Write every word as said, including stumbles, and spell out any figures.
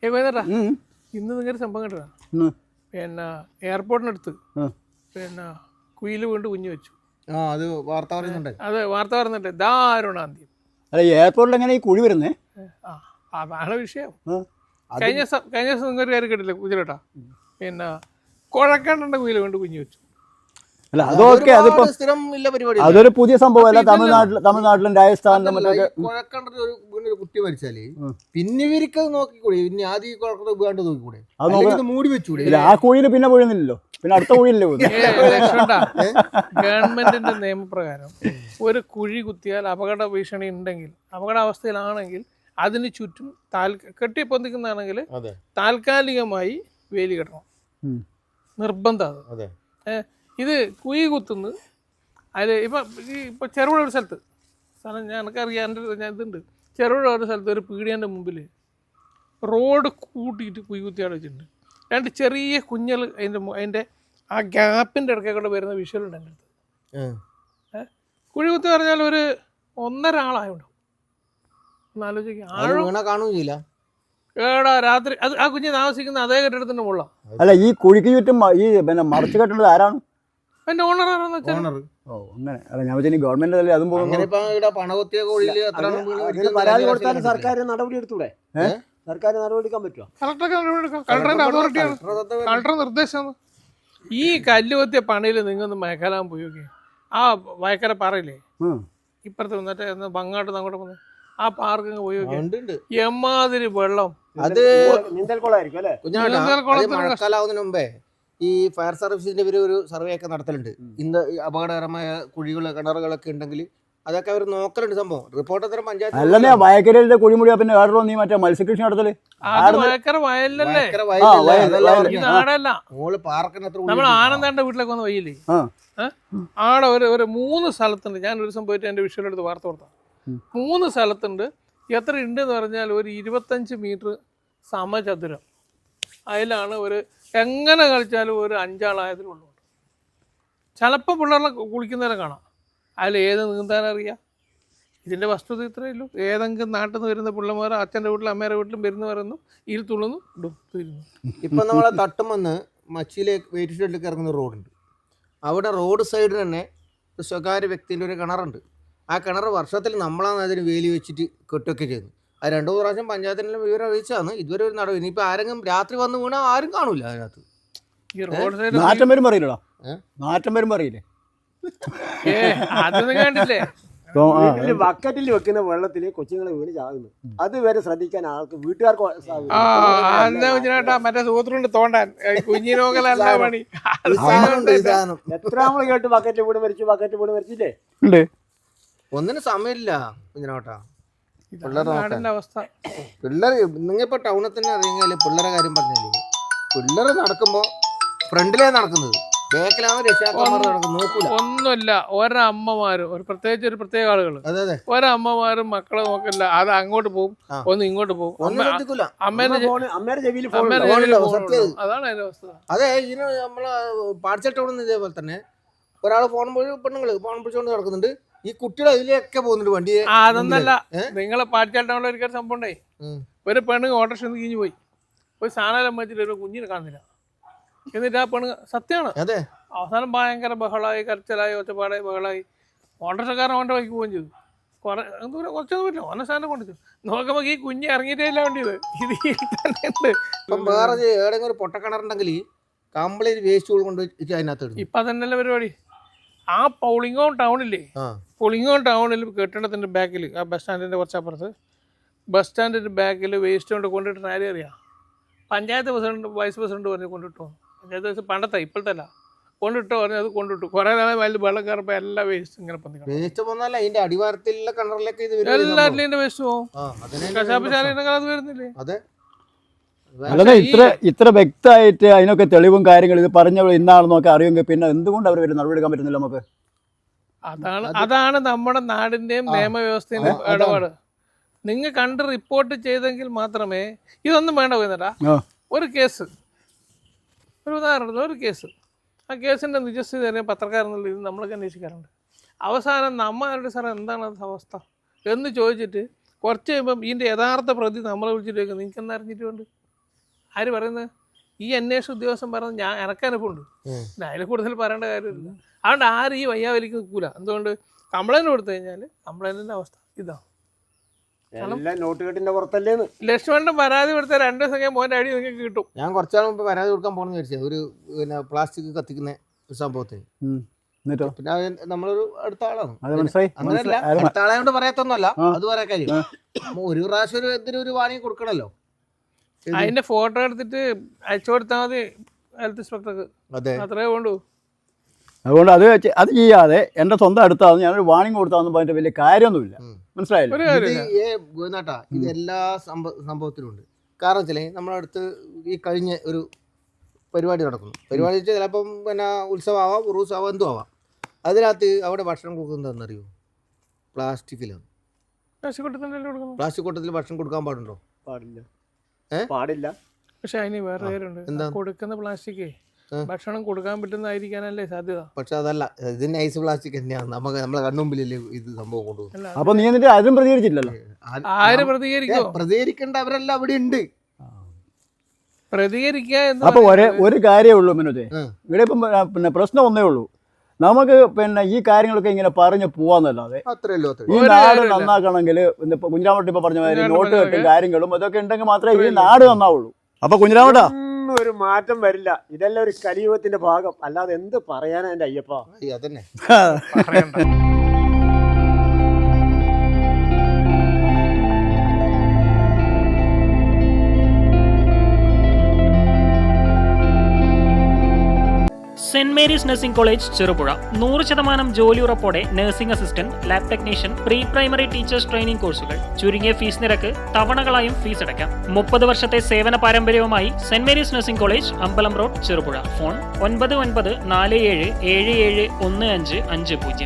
ഏ കോയനേട്ടാ ഇന്ന് നിങ്ങളുടെ സംഭവം കേട്ടതാ. പിന്നെ എയർപോർട്ടിനടുത്ത് പിന്നെ കുയിൽ വീണ്ട് കുഞ്ഞു വെച്ചു. അത് വാർത്ത പറയുന്നുണ്ട്. അതെ, വാർത്ത പറയുന്നുണ്ട്. ദാരുണാന്ത്യം. അല്ല, എയർപോർട്ടിൽ എങ്ങനെ ഈ കുഴി വരുന്നേ? ആ അതാണ് വിഷയം. കഴിഞ്ഞ ദിവസം കഴിഞ്ഞ ദിവസം നിങ്ങൊരു കാര്യം കേട്ടില്ലേ കുതിരട്ടാ? പിന്നെ കുഴക്കണ്ട കുയിൽ വീണ്ട് കുഞ്ഞു വെച്ചു. അല്ല, അതൊക്കെ അതിപ്പോ സ്ഥിരം ഇല്ല പരിപാടി. അതൊരു പുതിയ സംഭവമല്ല. തമിഴ്നാട്ടിൽ തമിഴ്നാട്ടിലും രാജസ്ഥാനിലും മറ്റൊക്കെ കുഴക്കണ്ടത് ഒരു വീണ്ടൊരു കുട്ടി മരിച്ചാല് പിന്നെ ഇവർക്കത് നോക്കിക്കൂടെ? പിന്നെ ആദ്യം കുഴക്കണ്ട വീണ്ട് നോക്കിക്കൂടെ? അത് മൂടി വെച്ചൂടെ? ആ കുഴിയിൽ പിന്നെ വീഴുന്നില്ലല്ലോ, പിന്നെ അടുത്ത കുഴിയില്ലേ വീഴുന്നത്. ഗവൺമെന്റിന്റെ നിയമപ്രകാരം ഒരു കുഴി കുത്തിയാൽ അപകട ഭീഷണി ഉണ്ടെങ്കിൽ, അപകടാവസ്ഥയിലാണെങ്കിൽ അതിന് ചുറ്റും താൽ കെട്ടി പൊന്തിക്കുന്നതാണെങ്കിൽ താൽക്കാലികമായി വേലി കെട്ടണം, നിർബന്ധം. അത് ഏഹ് ഇത് കുഴി കുത്തുന്നത് അതിൽ ഇപ്പം ഈ ഇപ്പോൾ ചെറുപുഴ ഒരു സ്ഥലത്ത് സ്ഥലം ഞാൻ എനിക്കറിയാം, എൻ്റെ ഞാൻ ഇതുണ്ട്. ചെറുപുഴ ഒരു സ്ഥലത്ത് ഒരു പീടിയൻ്റെ മുമ്പിൽ റോഡ് കൂട്ടിയിട്ട് കുഴി കുത്തിയാട് വെച്ചിട്ടുണ്ട്. രണ്ട് ചെറിയ കുഞ്ഞൽ അതിൻ്റെ അതിൻ്റെ ആ ഗ്യാപ്പിൻ്റെ ഇടയ്ക്ക് കൂടെ വരുന്ന വിഷ്വലുണ്ട് എൻ്റെ അടുത്ത്. ഏഹ് കുഴി കുത്തി പറഞ്ഞാൽ ഒരു ഒന്നര ആളായുണ്ടാവും. ഒന്ന് ആലോചിക്കുക. ആഴം കാണുകയില്ല. ഏടാ രാത്രി അത് ആ കുഞ്ഞ് താമസിക്കുന്ന അതേ കെട്ടിടത്തിൻ്റെ മുകളിലാണ്. അല്ല, ഈ കുഴിക്ക് ചുറ്റും ഈ പിന്നെ മറച്ചു കെട്ടുന്നത് ആരാണ്? അതിന്റെ ഓണർ ആരാന്ന് വെച്ചാൽ ഓ അങ്ങനെ. അല്ല, ഞാൻ വെച്ചാൽ ഗവൺമെന്റ് അല്ലേ അതും പോകുന്നു. പരാതി കൊടുത്താലും സർക്കാർ നടപടി എടുത്തൂടെ? സർക്കാർ നടപടി എടുക്കാൻ പറ്റുമോ? കളക്ടർക്ക് നടപടി എടുക്കാം. കളക്ടറിന്റെ അതോറിറ്റിയാണ്, കളക്ടർ നിർദ്ദേശമാണ്. ഈ കല്ലുകൊത്തിയ പണിയിൽ നിങ്ങൊന്ന് മേഖലാൻ പോയി നോക്കി. ആ വയക്കര പാറയില്ലേ, ഇപ്പുറത്ത് വന്നിട്ട് ബങ്ങാട്ട് അങ്ങോട്ട് വന്ന് ആ പാർക്ക് പോയി നോക്കി. എമ്മാതിരി വെള്ളം. അത് നീന്തൽക്കുളമായിരിക്കും അല്ലേ? മഴക്കാലാവുന്നതിന് മുമ്പേ ഈ ഫയർ സർവീസിന്റെ ഇവര് ഒരു സർവേ ഒക്കെ നടത്തലുണ്ട്. ഇന്ന് അപകടകരമായ കുഴികൾ കിണറുകളൊക്കെ ഉണ്ടെങ്കിൽ അതൊക്കെ അവർ നോക്കലുണ്ട്. സംഭവം റിപ്പോർട്ട് അത്തരം പഞ്ചായത്ത് അല്ലേ? വയക്കരയിലെ കുഴിമുടിയാ പിന്നെ വേറെ നീ മറ്റേ മത്സ്യകൃഷി നടത്തല് നമ്മൾ ആനന്ദന്റെ വീട്ടിലൊക്കെ വന്ന് വയ്യില്ലേ? ആടെ ഒരു ഒരു മൂന്ന് സ്ഥലത്തുണ്ട്. ഞാൻ ഒരു ദിവസം പോയിട്ട് എൻ്റെ വിഷ്വലെടുത്ത് വാർത്ത കൊടുത്താൽ മൂന്ന് സ്ഥലത്തുണ്ട്. എത്ര ഉണ്ടെന്ന് പറഞ്ഞാൽ ഒരു ഇരുപത്തഞ്ച് മീറ്റർ സമചതുരം. അതിലാണ് ഒരു എങ്ങനെ കളിച്ചാലും ഒരു അഞ്ചാളായതിലുള്ളൂ. ചിലപ്പോൾ പിള്ളേരെ കുളിക്കുന്നവരെ കാണാം. അതിൽ ഏത് നീന്താനറിയാം? ഇതിൻ്റെ വസ്തുത ഇത്രയേ ഉള്ളൂ. ഏതെങ്കിലും നാട്ടിൽ നിന്ന് വരുന്ന പിള്ളമാർ അച്ഛൻ്റെ വീട്ടിലും അമ്മയുടെ വീട്ടിലും വരുന്ന പറയുന്നു, ഇതിൽ തുള്ളുന്നു, ഡുപ്പിരുന്നു. ഇപ്പം നമ്മളെ തട്ടുമെന്ന് മച്ചിയിലേക്ക് വെയിറ്റ് ഷെഡിലേക്ക് ഇറങ്ങുന്ന റോഡുണ്ട്. അവിടെ റോഡ് സൈഡിൽ തന്നെ ഒരു സ്വകാര്യ വ്യക്തിൻ്റെ ഒരു കിണറുണ്ട്. ആ കിണർ വർഷത്തിൽ നമ്മളാണ് അതിന് വേലി വെച്ചിട്ട് കെട്ടൊക്കെ ചെയ്യുന്നത്. അത് രണ്ടു മൂന്ന് പ്രാവശ്യം പഞ്ചായത്തിനെല്ലാം വിവരം അറിയിച്ചാണ്. ഇതുവരെ ഒരു നടപടി. ഇനിയിപ്പോൾ ആരെങ്കിലും രാത്രി വന്ന് വീണാൽ ആരും കാണൂല അതിനകത്ത്. ഈ റോഡ് സൈഡ് നാറ്റം വരുമ്പോൾ അറിയില്ലടാ, നാറ്റം വരുമ്പോൾ അറിയില്ലേ? ഏ അതൊന്നും കണ്ടില്ലേ? ബക്കറ്റിൽ വെക്കുന്ന വെള്ളത്തിൽ കൊച്ചുങ്ങളെ വീണ് ചാകുന്നു. അതുവരെ ശ്രദ്ധിക്കാൻ ആൾക്ക് വീട്ടുകാർക്ക് ആ മറ്റേ സൂത്രണ്ട് തോണ്ടാൻ കുഞ്ഞിനോക്കലല്ല പണി. എത്ര നമ്മൾ കേട്ട് ബക്കറ്റ് വീട് മരിച്ചു, ബക്കറ്റ് വീട് മരിച്ചില്ലേ? ഒന്നിനും സമയമില്ല കുഞ്ഞിനോട്ടാ. പിള്ളേരുടെ അവസ്ഥ പിള്ളേർ നിങ്ങളിപ്പോൾ ടൗണിൽ തന്നെ അറിയാല് പിള്ളേരെ കാര്യം പറഞ്ഞാല് പിള്ളേർ നടക്കുമ്പോൾ ഫ്രണ്ടിലേ നടക്കുന്നത്, ബാക്കിലാണ് രക്ഷാകർമാർ നടക്കുന്നത്. നോക്കൂല ഒന്നുമില്ല. ഒരമ്മമാരും ഒരു പ്രത്യേകിച്ച് ഒരു പ്രത്യേക ആളുകൾ ഒരമ്മമാരും മക്കളെ നോക്കില്ല. അത് അങ്ങോട്ട് പോകും, ഒന്ന് ഇങ്ങോട്ട് പോകും. അമ്മേനെ അതാണ് അതിന്റെ അവസ്ഥ. അതെ, ഇതിന് നമ്മളെ പാടിച്ച ടൗണിൽ ഇതേപോലെ തന്നെ ഒരാൾ ഫോൺ പോയി പെണ്ണുങ്ങള് ഫോൺ പിടിച്ചോണ്ട് നടക്കുന്നുണ്ട്. ഈ കുട്ടികൾ അതിലേക്ക് പോകുന്നുണ്ട് വണ്ടി. അതൊന്നല്ല, നിങ്ങളെ പാടിച്ചാട്ടമുള്ള ഒരു സംഭവം ഉണ്ടായി. ഒരു പെണ്ണ് ഓട്ടോറിക്ഷ കിഞ്ഞു പോയി ഒരു സാധനം വെച്ചിട്ട് ഒരു കുഞ്ഞിനെ കാണുന്നില്ല. എന്നിട്ട് ആ പെണ്ണ് സത്യമാണ്. അവസാനം ഭയങ്കര ബഹളമായി, കരച്ചിലായി, ഒച്ചപ്പാടായി, ബഹളായി. ഓട്ടോറിക്ഷക്കാരൻ അവൻ്റെ വഴിക്ക് പോവുകയും ചെയ്തു. കുറെ ദൂരം കുറച്ചൊന്നും പറ്റില്ല, ഓനെ സാധനം കൊണ്ടു നോക്കുമ്പോൾ ഈ കുഞ്ഞ് ഇറങ്ങിയിട്ടേല്ല വേണ്ടിയത്. ഇത് തന്നെ ഉണ്ട്. ഇപ്പം വേറെ ഏതെങ്കിലും ഒരു പൊട്ടക്കിണറുണ്ടെങ്കിൽ കംപ്ലീറ്റ് വേസ്റ്റ് കൊണ്ട് അതിനകത്ത് ഇപ്പം തന്നെയല്ലേ പരിപാടി. ആ പൗളിങ്ങോൺ ടൗണില്ലേ, പുളിങ്ങോൺ ടൗണിൽ കെട്ടിടത്തിൻ്റെ ബാക്കിൽ ആ ബസ് സ്റ്റാൻഡിൻ്റെ കുറച്ചപ്പുറത്ത് ബസ് സ്റ്റാൻഡിൻ്റെ ബാക്കിൽ വേസ്റ്റ് കൊണ്ട് കൊണ്ടിട്ട് ആരും അറിയാം. പഞ്ചായത്ത് പ്രസിഡന്റ് വൈസ് പ്രസിഡന്റ് പറഞ്ഞ് കൊണ്ടിട്ടു. പഞ്ചായത്ത് വൈസ് പണ്ടത്തെ ഇപ്പോഴത്തെ അല്ല, കൊണ്ടിട്ടോ പറഞ്ഞ് അത് കൊണ്ടിട്ടു. കുറേ നാളെ വലിയ വെള്ളം കയറപ്പോൾ എല്ലാ വേസ്റ്റ് ഇങ്ങനെ എല്ലാറ്റിലും വേസ്റ്റ് പോകും. കശാപ്പശാലയുടെ അത് വരുന്നില്ലേ? അല്ലാതെ ഇത്ര ഇത്ര വ്യക്തമായിട്ട് അതിനൊക്കെ തെളിവും കാര്യങ്ങളും ഇത് പറഞ്ഞ ഇന്നാണെന്നൊക്കെ അറിയുമെങ്കിൽ പിന്നെ എന്തുകൊണ്ട് അവർ വരും നടപടിയെടുക്കാൻ പറ്റുന്നില്ല നമുക്ക്? അതാണ് അതാണ് നമ്മുടെ നാടിൻ്റെയും നിയമവ്യവസ്ഥയുടെയും ഇടപാട്. നിങ്ങൾ കണ്ട് റിപ്പോർട്ട് ചെയ്തെങ്കിൽ മാത്രമേ ഇതൊന്നും വേണ്ട. പോയിട്ടാ ഒരു കേസ്, ഒരു ഉദാഹരണത്തിന് ഒരു കേസ്, ആ കേസിൻ്റെ നിജസ്ഥിതി തന്നെ പത്രക്കാരെന്നുള്ള ഇത് നമ്മളൊക്കെ അന്വേഷിക്കാറുണ്ട്. അവസാനം നമ്മളുടെ സാർ എന്താണ് അത് അവസ്ഥ എന്ന് ചോദിച്ചിട്ട് കുറച്ച് കഴിയുമ്പം ഇതിൻ്റെ യഥാർത്ഥ പ്രതി നമ്മളെ വിളിച്ചിട്ട് നിങ്ങൾക്ക് എന്താ അറിഞ്ഞിട്ടുണ്ട്? ആര് പറയുന്നത്? ഈ അന്വേഷണ ഉദ്യോഗസ്ഥൻ പറഞ്ഞത് ഞാൻ ഇറക്കാനിപ്പുണ്ട്. പിന്നെ അതിൽ കൂടുതൽ പറയേണ്ട കാര്യമില്ല. അതുകൊണ്ട് ആരും ഈ വയ്യാവലിക്ക് നിൽക്കൂല. എന്തുകൊണ്ട്? കംപ്ലൈൻറ്റ് കൊടുത്തു കഴിഞ്ഞാൽ കംപ്ലൈൻറ്റിൻ്റെ അവസ്ഥ ഇതാണ്. എല്ലാം നോട്ട് കെട്ടിന്റെ പുറത്തല്ലേന്ന്. ലക്ഷ്മണൻ പരാതി കൊടുത്ത രണ്ട് ദിവസം കഴിഞ്ഞാൽ മോൻ്റെ അടി നിങ്ങൾക്ക് കിട്ടും. ഞാൻ കുറച്ചാൾ മുമ്പ് പരാതി കൊടുക്കാൻ പോകണമെന്ന് വിചാരിച്ചത് ഒരു പിന്നെ പ്ലാസ്റ്റിക് കത്തിക്കുന്ന ഒരു സംഭവത്തിന്. എന്നിട്ടോ പിന്നെ അത് നമ്മളൊരു അടുത്ത ആളാണ്. അത് മനസ്സിലായി. അങ്ങനെയല്ല, അടുത്ത ആളെ കൊണ്ട് പറയാത്തൊന്നുമല്ല, അത് പറയാൻ കാര്യം. ഒരു പ്രാവശ്യം ഒരു എന്തിനും ഒരു വാണിംഗ് കൊടുക്കണല്ലോ. അതിന്റെ ഫോട്ടോ എടുത്തിട്ട് അയച്ചു കൊടുത്താൽ മതി ഹെൽത്ത് ഇൻസ്പെക്ടർക്ക്. അതെ, അത്രേ വേണ്ടൂ. അതുകൊണ്ട് അത് വെച്ച് അത് ചെയ്യാതെ എൻ്റെ സ്വന്തം അടുത്താന്ന് ഞാനൊരു വാണിംഗ് കൊടുത്താന്ന് പറഞ്ഞിട്ട് വലിയ കാര്യമൊന്നുമില്ല. മനസ്സിലായില്ലേ? ഒരു ഇത് കാര്യമില്ല. ഏ ഗോവിന്ദേട്ടാ, ഇത് എല്ലാ സംഭവ സംഭവത്തിലും ഉണ്ട്. കാരണം വെച്ചാൽ നമ്മുടെ അടുത്ത് ഈ കഴിഞ്ഞ ഒരു പരിപാടി നടക്കുന്നു. പരിപാടി വെച്ചാൽ ചിലപ്പം പിന്നെ ഉത്സവമാവാം, ഉറൂസാവാം, എന്തും ആവാം. അതിനകത്ത് അവിടെ ഭക്ഷണം കൊടുക്കുന്നതെന്നറിയോ? പ്ലാസ്റ്റിക്കിലാണ്. പ്ലാസ്റ്റിക് കൊടുത്തിട്ടല്ലേ കൊടുക്കണം. പ്ലാസ്റ്റിക് കൂട്ടത്തിൽ ഭക്ഷണം കൊടുക്കാൻ പാടുണ്ടോ? പാടില്ല. ഏ? പാടില്ല. പക്ഷെ അതിന് വേറെ കാര്യമുണ്ട്. കൊടുക്കുന്ന പ്ലാസ്റ്റിക്കേ ഭക്ഷണം കൊടുക്കാൻ പറ്റുന്നതായിരിക്കാനല്ലേ സാധ്യത. പക്ഷെ അതല്ല, ഇത് നൈസ് പ്ലാസ്റ്റിക് തന്നെയാണ്. നമുക്ക് നമ്മളെ കണ്ണുമ്പിലല്ലേ ഇത് സംഭവം കൊണ്ടുപോകും. അപ്പൊ നീ എന്നിട്ട് അതും പ്രതികരിച്ചില്ലല്ലോ. ആര് പ്രതികരിക്കോ? പ്രതികരിക്കേണ്ട അവരെല്ലാം അവിടെ ഉണ്ട്. പ്രതികരിക്കുക എന്ന് അപ്പൊ ഒരേ ഒരു കാര്യമേ ഉള്ളൂ മിനുജെ. ഇവിടെ ഇപ്പം പിന്നെ പ്രശ്നം ഒന്നേ ഉള്ളൂ. നമുക്ക് പിന്നെ ഈ കാര്യങ്ങളൊക്കെ ഇങ്ങനെ പറഞ്ഞു പോവാന്നല്ലാതെ അത്രയല്ലോ. ഈ നാട് നന്നാക്കണമെങ്കിൽ കുഞ്ഞിരാമട്ട് ഇപ്പൊ പറഞ്ഞ മാതിരി നോട്ട് കെട്ടും കാര്യങ്ങളും ഇതൊക്കെ ഉണ്ടെങ്കിൽ മാത്രമേ ഈ നാട് നന്നാവുള്ളൂ. അപ്പൊ കുഞ്ഞിരാമട്ടാ ഒന്നും ഒരു മാറ്റം വരില്ല. ഇതെല്ലാം ഒരു കലിയുഗത്തിന്റെ ഭാഗം. അല്ലാതെ എന്ത് പറയാനാ എന്റെ അയ്യപ്പ. അതന്നെ. പറയണ്ട. സെന്റ് മേരീസ് നഴ്സിംഗ് കോളേജ് ചെറുപുഴ. നൂറ് ശതമാനം ജോലി ഉറപ്പോടെ nursing assistant, lab technician, pre primary teachers training കോഴ്സുകൾ. ചുരുങ്ങിയ ഫീസ് നിരക്ക് തവണകളായും ഫീസ് അടയ്ക്കാം. മുപ്പത് വർഷത്തെ സേവന പാരമ്പര്യവുമായി സെന്റ് Mary's nursing college, Ambalam road, Cherupuzha. Phone ഒൻപത് ഒൻപത് നാല് ഏഴ് ഏഴ് ഏഴ് ഒന്ന് അഞ്ച് അഞ്ച് പൂജ്യം.